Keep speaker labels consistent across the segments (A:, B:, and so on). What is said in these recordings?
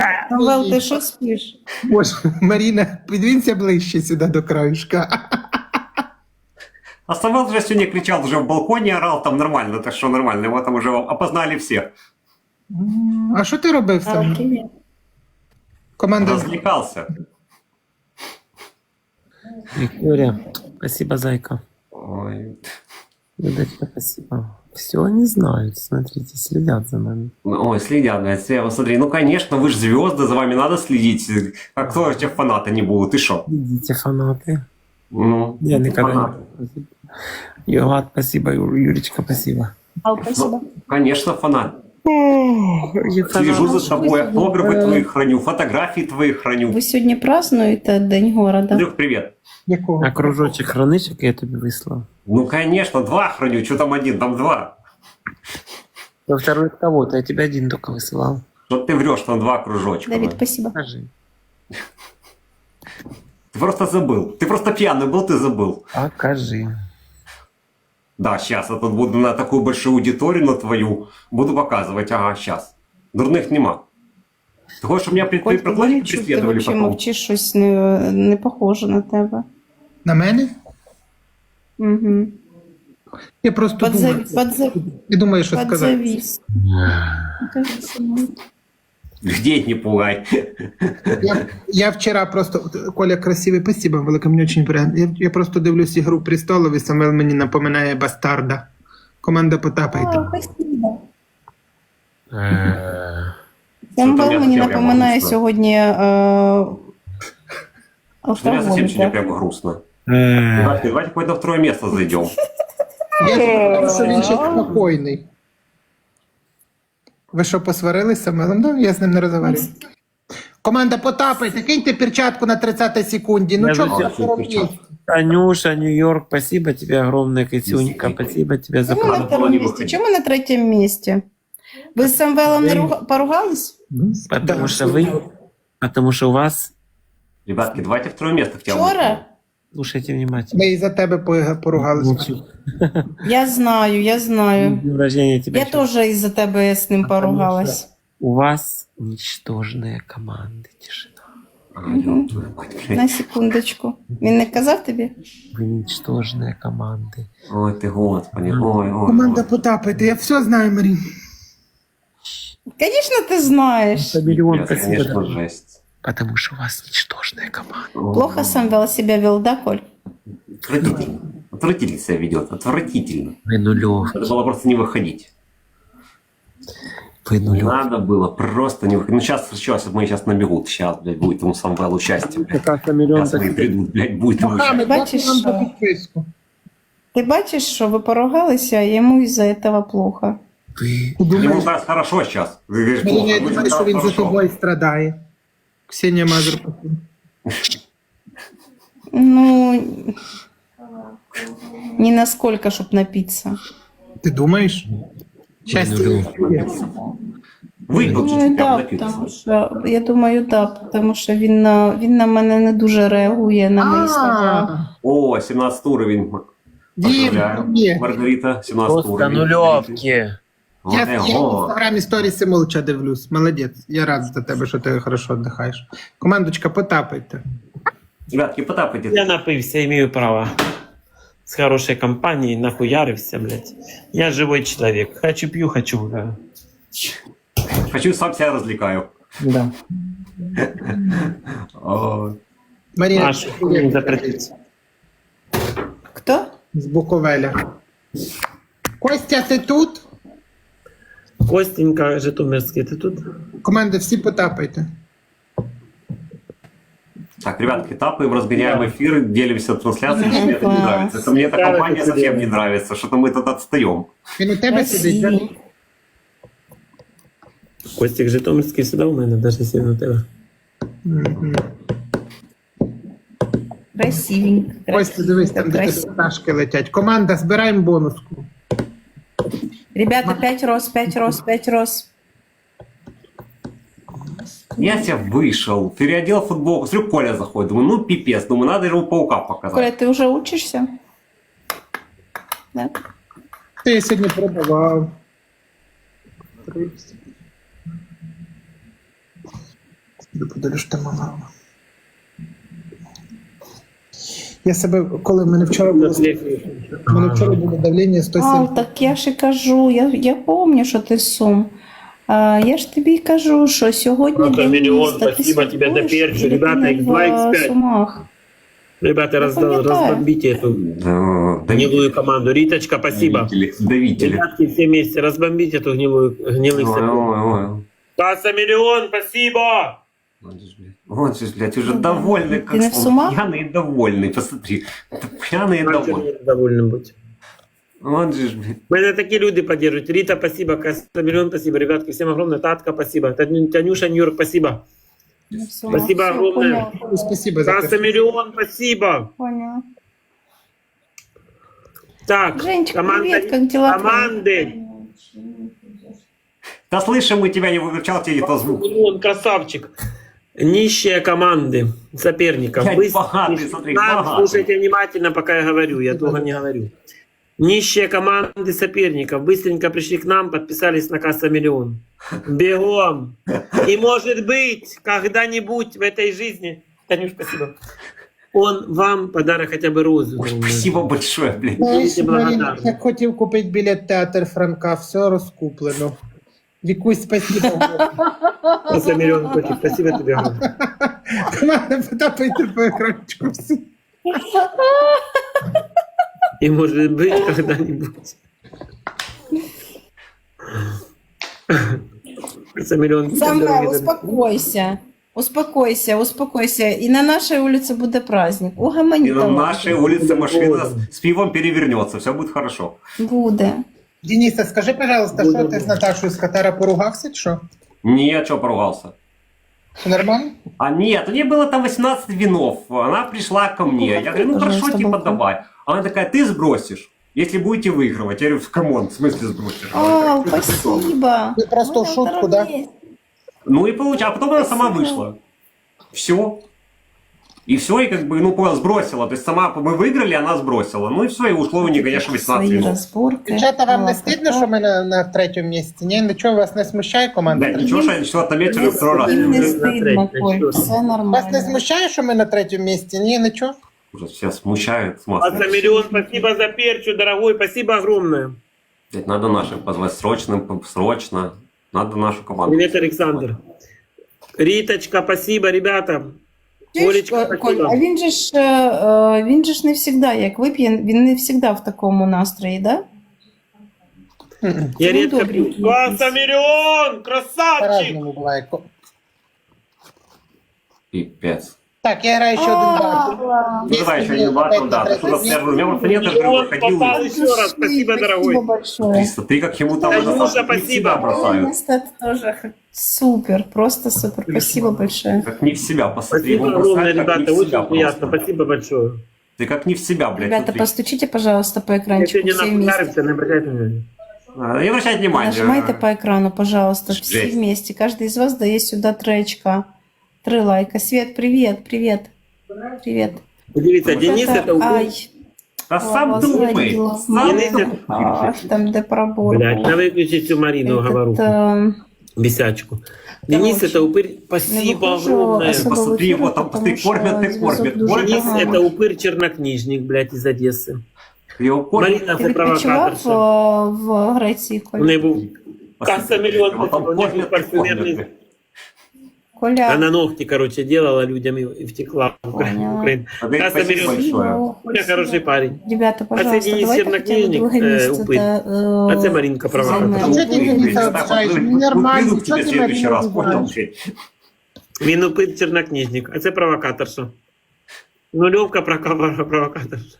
A: Самвел, ти що спиш?
B: Боже, Маріна, підвінься ближче сюди до краюшка.
C: А Самвел же сегодня кричал, уже в балконе орал, там нормально, так что нормально, его там уже опознали все.
B: А що ти робив сам?
A: Привіт.
B: Команда
C: Развлекался.
D: Виктория, спасибо, зайка.
C: Ой.
D: Людочка, спасибо. Все они знают, смотрите, следят за нами.
C: Ой, следят, блядь, вот смотри, ну конечно, вы же звезды, за вами надо следить. А кто же те фанаты не будут, ты шо?
D: Видите, фанаты.
C: Ну,
D: Я никогда
C: фанаты.
D: не... Юрат, спасибо, Юречка, спасибо.
A: Ал, спасибо.
C: Ну, конечно, фанат.
D: Я
C: Слежу за
A: Фанат.
C: тобой, автографы твои храню, фотографии твои храню.
A: Ви сьогодні празднуєте День города?
C: Андрюх, привет.
B: якого?
D: А кружочек хранишь, як я тобі вислав?
C: Ну, конечно, 2 храню, что там 1, там 2.
D: Я второй от кого-то, я тебе один только высылал.
C: Что ты врешь, там 2 кружочка.
A: Давид,
C: да.
A: спасибо.
D: Скажи.
C: Ты просто забыл. Ты просто пьяный был, ты забыл.
D: Покажи.
C: Да, сейчас я тут буду на такую большую аудиторию, на твою, буду показывать. Ага, сейчас. Дурных нема. Ты хочешь, чтобы меня
A: Коль, ти
C: проклонники
A: чути, ти
C: преследовали
A: взагалі
C: потом?
A: мовчиш, щось не похоже на тебе.
B: На мене?
A: Угу.
B: Я просто думаю. Я думаю, що сказати.
A: Подзавіс.
C: Где не пугай.
B: Я вчора просто, Коля красивий, спасибо, велике, мені дуже приємно. Я просто дивлюсь «Ігру престолів» і Самвел мені напоминає бастарда. Команда потапайте.
A: Спасибо.
C: Що там
A: Самвел
C: я
A: мені
C: прямо
A: напоминає
C: грустно?
A: сьогодні
C: Что я совсем тебе
A: алкоголь.
C: прямо грустно. Давайте хоть на 2 место зайдем.
B: Я думаю, що він ще спокійний. Ви що, посварились з Самвелом? Да, я з ним не розмовляю. Команда потапайте, киньте перчатку на 30 секунді. Ну
D: Я
B: чого
D: за
B: ви це робите?
D: Танюша, Нью-Йорк, спасибо тебе огромное, Катюнька, спасибо тебе за
A: Чому на
C: Надо было
A: втором
C: не
A: місці?
C: выходить.
A: Чому на третьому місці? Ви з Самвелом не поругались?
D: Потому что вы, потому что у вас,
C: Ребятки, давайте 2 место втягиваем.
A: Вчора?
D: слушайте внимательно.
B: Ми і за тебе поругалися.
A: Я знаю.
D: Днем рождения тебя.
A: Я теж із-за тебе з ним поругалась.
D: У вас ничтожные команды, тишина.
C: А, ёб твою мать, блядь.
A: На секундочку. Він не казав тобі?
D: Вы ничтожные команды.
C: Ой, ты господи. Ой, ой.
B: Команда потапайте, я все знаю, Марін.
A: Звісно, ти знаєш.
D: Миллион
C: Пиздец,
D: спасибо.
C: конечно,
D: дорогой.
C: жесть.
D: Потому что у вас ничтожная команда.
C: Ой,
A: Плохо Самвел себя вел, да, Коль?
C: Отвратительно. Отвратительно себя ведет. Отвратительно.
D: Вы нулевки.
C: Надо было просто не выходить.
D: Вы нулевки.
C: Надо было просто не выходить. Ну, сейчас мы сейчас набегут. Сейчас, блядь, будет ему Самвел участие, блядь.
D: Как-то миллион
C: Сейчас они придут, блядь, будет ему участие.
A: Бачиш,
B: Вам по
A: що?
B: підписку.
A: Ти бачиш, що ви поругалися, а йому із-за цього плохо.
D: Вы...
C: Ему как раз хорошо сейчас. Ты говоришь,
B: Маріна,
C: плохо.
B: я
C: Ему
B: думаю, що
C: сейчас
B: він за
C: хорошо.
B: тобою страдає. Ксенія Мазур.
A: Ну, не насколько, щоб напитися.
B: Ти думаєш? Щастя.
C: Выпил
A: Думаю,
C: чуть-чуть, прям
A: да,
C: напился.
A: тому що, я думаю, да, тому що він на мене не дуже реагує на мої слова.
C: О, 17 уровень.
B: Дім,
C: Поздравляю.
B: ні.
C: Маргарита, 17
D: Просто
C: уровень.
D: нулевки.
C: Вот
B: Я в
C: его.
B: інстаграмі сторіси молча дивлюсь. Молодець. Я рад за тебе, що ти хорошо віддихаєш. Командочка, потапайте.
C: Ребятки, потапайте.
D: Я напився, имею право. С хорошей компанией нахуярився, блядь. Я живой человек. Хочу пью, хочу гуляю.
C: Хочу, сам себя развлекаю.
D: Да.
C: О,
B: Марія,
D: А что не запретить?
A: Хто?
B: з Буковеля. Костя, ти тут?
D: Костенька, Житомирский, ты тут?
B: Команда, всі потапайте.
C: Так, ребятки, тапаем, разгоняем эфиры, делимся трансляцией. Мне это не нравится. Это мне эта
D: Да,
C: компания
D: это
C: совсем
D: дело.
C: не нравится. Что-то мы тут отстаем.
B: Він у тебе сидить, да?
A: Красивий.
D: Костик Житомирский всегда у мене, даже если він у тебе.
B: Мгм.
A: Красивенько.
B: Костя, дивись, там де
A: Красиво.
B: тебе пташки летять. Команда, збираємо бонуску.
A: Ребята, 5 роз, 5 роз, 5 роз.
C: Я тебя вышел, переодел футболку. Смотрю, Коля заходит. Думаю, ну пипец. Думаю, надо ему паука показать.
A: Коля, ти вже учишся? Да?
B: Ти я сьогодні продавав. Подивлюсь, що там мама. Я себе, коли в мене вчора було, давлення 170.
A: А, так я ж і кажу, я пам'ятаю, що ти з Сум. Я ж тобі й кажу, що сьогодні
D: Просто
A: день
D: мільйон,
A: міста. Ти
D: спасибо тебе за
A: святкуєш,
D: перчик,
A: і ти
D: ребята,
A: не
D: X2,
A: в
D: X5.
A: Сумах.
D: Ребята,
A: пам'ятаю.
D: разбомбите эту
C: Да,
D: гнилую команду. Риточка, спасибо.
C: Давители.
D: Ребятки, все вместе разбомбите эту гнилых
C: Ой,
D: сотрудников.
C: ой, ой.
D: Паса миллион, спасибо!
C: Он же, блядь, уже довольный, как
A: Ты не в
C: он
A: сумах?
C: пьяный и довольный, посмотри. Пьяный и
D: Как же
C: довольный.
D: мне довольным быть.
C: Он же, блядь.
D: Меня такие люди поддерживают. Рита, спасибо. Каса миллион, спасибо. Ребятки, всем огромное. Татка, спасибо. Танюша, Нью-Йорк, спасибо.
A: Не в Сумах.
D: Спасибо
A: Все,
D: огромное.
A: поняла,
B: Спасибо за
D: Каса
B: те.
D: миллион, спасибо.
A: поняла.
D: Так,
A: Женечка, привет, как дела твои?
D: команды.
C: Да слышим, мы тебя не выключал, тебе не то звук.
D: Он красавчик. Нищие команды соперников.
C: Блядь,
D: Вы
C: богатый, смотри,
D: нам
C: богатый.
D: слушайте внимательно, пока я говорю. Я долго не говорю. Нищие команды соперников быстренько пришли к нам, подписались на Касса Миллион. Бегом. И может быть, когда-нибудь в этой жизни, Танюш, спасибо, он вам подарок хотя бы розу.
C: Ой, спасибо большое, блядь.
D: Будете благодарны.
B: Я хотів купити білет театр Франка, все розкуплено. Вікусь, спасибо.
D: Касса Миллион, котик, спасибо тебе. огромное.
B: Команда, потапайте по екранчику. Все.
D: И может быть, когда-нибудь. Касса Миллион.
A: Самвел, успокойся. Успокойся, успокойся. И на нашей улице будет праздник.
C: И
A: Угомони
C: на
A: талант.
C: нашей улице машина с пивом перевернется, все будет хорошо.
A: Буде.
B: Дениса, скажи, пожалуйста, що ти з Наташою з Катара поругався, чи що?
C: Не, что поругался?
B: Все нормально?
C: А нет, у нее было там 18 винов. Она пришла ко мне. Я говорю, ну хорошо,
A: Пожалуйста,
C: типа
A: балкон.
C: давай. Она такая, ты сбросишь, если будете выигрывать. Я говорю, камон, в смысле сбросишь?
A: О, спасибо.
B: Ты просто в шутку, да?
C: Ну и получилось. А потом она сама вышла. Все. И все, и как бы, ну, понял, сбросила. То есть сама мы выиграли, она сбросила. Ну и все, и ушло у нее, конечно, 18
A: Свої
C: винов.
A: розборки.
B: Дівчата, вам не
A: Ладно,
B: стидно, що ми на третьому місці? Ні, нічого вас не смущає команда?
C: Да, ничего, что я начала отметили второй раз.
A: Їм не
D: На
A: стидно,
D: третій,
A: Коль,
D: що?
A: все
B: Вас не
A: нормально.
B: смущає, що ми на третьому місці? Ні, нічого?
C: Ужас, все смущают с
D: Касса
C: маской.
D: Миллион, спасибо за перчу, дорогой. Спасибо огромное.
C: Блядь, надо наших позвать срочно. Надо нашу команду.
D: Привет, Александр. Риточка, спасибо, ребята. Олечка,
A: Коль,
D: спасибо.
A: а він же ж не завжди, як вип'є, він не завжди в такому настрої, да?
D: Я
A: Ну,
D: редко
A: добренький
D: пью. Касса Миллион, красавчик.
B: По-разному буває.
C: Пипец.
B: Так, я граю ще один бар.
C: Ну давай еще один батл, да. Ты что-то первый. У меня просто нет, я
D: Миллион
C: выходил.
D: попал еще раз. Спасибо, дорогой.
A: большое.
C: Смотри, как ему там
D: Танюша,
C: не
D: спасибо.
C: в себя бросают.
A: Это тоже супер, просто супер. Спасибо большое.
C: Как не в себя, посмотри.
D: Спасибо
C: Его
D: огромное,
C: бросают, как не
D: ребята.
C: в себя
D: Очень приятно.
C: просто.
D: Спасибо большое.
C: Ты как не в себя, блядь.
A: Ребята,
C: смотри.
A: постучите, пожалуйста, по
D: Я
A: экранчику
D: сегодня
A: все вместе.
D: нахуярился, не обращайте внимания.
C: Не обращать внимания.
A: Нажимайте по экрану, пожалуйста, все
C: Жесть.
A: вместе. Каждый из вас дает сюда 3 очка. 3 лайка. Свет, привет, привет. Привет.
D: Дивіться, Денис это упыр.
A: Ай,
C: Да сам
A: Лава
C: думай.
A: заводила.
C: Сам
D: Денис
C: думай.
D: это...
A: ах, там де пробор.
D: Блядь, надо выключить всю Марину говоруху. Бесячку. Денис это упырь. Спасибо
A: выхожу
D: огромное.
A: особо
C: Посмотри
A: в эфир,
C: его, там,
A: потому
C: посмотри, кормят
A: что
C: и кормят.
A: зв'язок
C: Кормят.
A: дуже
D: Денис
A: поганий.
D: это упырь-чернокнижник, блядь, из Одессы.
C: Его кормят.
D: Марина
A: Ти
D: це
A: відпочивав
D: провокаторша.
A: в Греції,
D: У неї
A: Коля?
D: був Касса Миллион,
C: Его там
D: у них был
C: кормят и
D: парфюмерный.
C: кормят.
A: Коля,
D: Она ногти, короче, делала людям и втекла в
A: Поняла.
D: Украину.
C: Андрей,
D: Касса
C: спасибо
D: Миллион.
C: большое.
D: Коля хороший парень.
A: Ребята, пожалуйста,
D: Денис
A: давайте
D: Чернокнижник,
A: хотя бы друге місце.
D: упырь. А це Маринка провокатор.
B: Чого ти мені це
C: Так,
B: обзиваєш?
C: вот,
B: Нормально,
C: приду к
B: чого
C: тебе в
B: ти
C: следующий
B: Марину
C: раз, понял?
B: обзиваєш?
D: Він упырь-чернокнижник, а це провокаторша. Нульовка провокаторша.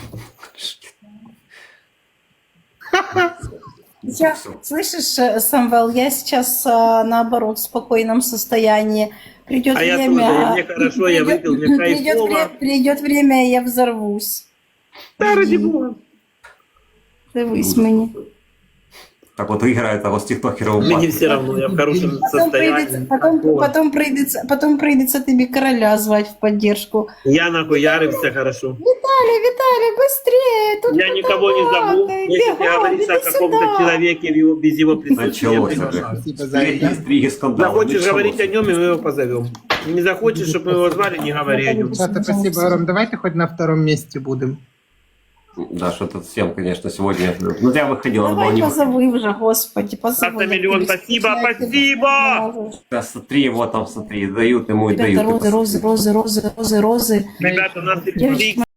A: Я, слышишь, Самвел, я сейчас наоборот в спокойном состоянии. Придет
D: А я
A: время,
D: тоже, мне хорошо, я выпил, мне кайфово.
A: Придет время, и я взорвусь.
D: Да, ради бога.
A: Дивись мені.
C: Так вот играет, а вот с тиктокером.
D: Мне все равно, я в хорошем состоянии.
A: Потом прийдеться тобі короля звать в поддержку.
D: Я нахуярився хорошо.
A: Виталий, быстрее! Тут
D: Я никого не зову. Если ты говоришь о каком-то человеке без его присутствия, я
C: Началось
D: приглашаю.
C: это.
B: Спасибо за это.
C: Интриги, скандалы.
D: Захочешь
C: Началось.
D: говорить о нем, и мы его позовем. Не захочешь, чтобы мы его звали, не говори о нем.
B: Ребята, спасибо, Ром. Давайте хоть на втором месте будем.
C: Да, что-то всем, конечно, сегодня... Ну, я выходил, надо было
A: Давай
C: не выходить.
A: позови вже, господи, позови.
D: Автомиллион, спасибо, спасибо!
C: Да, смотри, вот там, смотри, дают ему и дают.
A: Ребята, розы.
D: Ребята, у нас
A: Девочки,